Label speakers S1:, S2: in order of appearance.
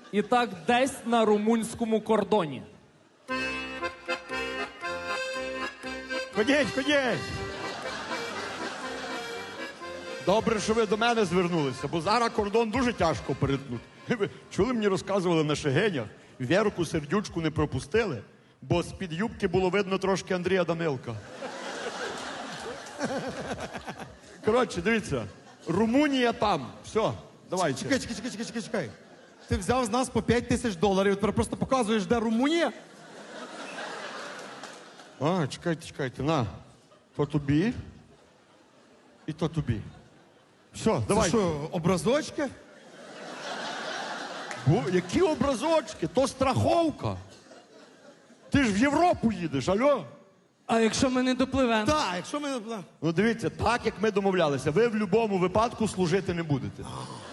S1: І так десь на румунському кордоні.
S2: Ходіть, ходіть. Добре, що ви до мене звернулися, бо зараз кордон дуже тяжко перетнути. Ви чули, мені розказували на Шегенях, Вірку Сердючку не пропустили, бо з-під юбки було видно трошки Андрія Данилка. Коротше, дивіться, Румунія там. Все, давайте.
S3: Чекай. Ти взяв з нас по $5000, тепер просто показуєш, де Румунія?
S2: А, чекайте, на. То тобі і то тобі. Все,
S3: Це
S2: давай.
S3: що, образочки?
S2: Які образочки? То страховка. Ти ж в Європу їдеш, алло?
S4: А якщо ми не допливемо?
S3: Так, якщо ми...
S2: Ну дивіться, так як ми домовлялися, ви в будь-якому випадку служити не будете.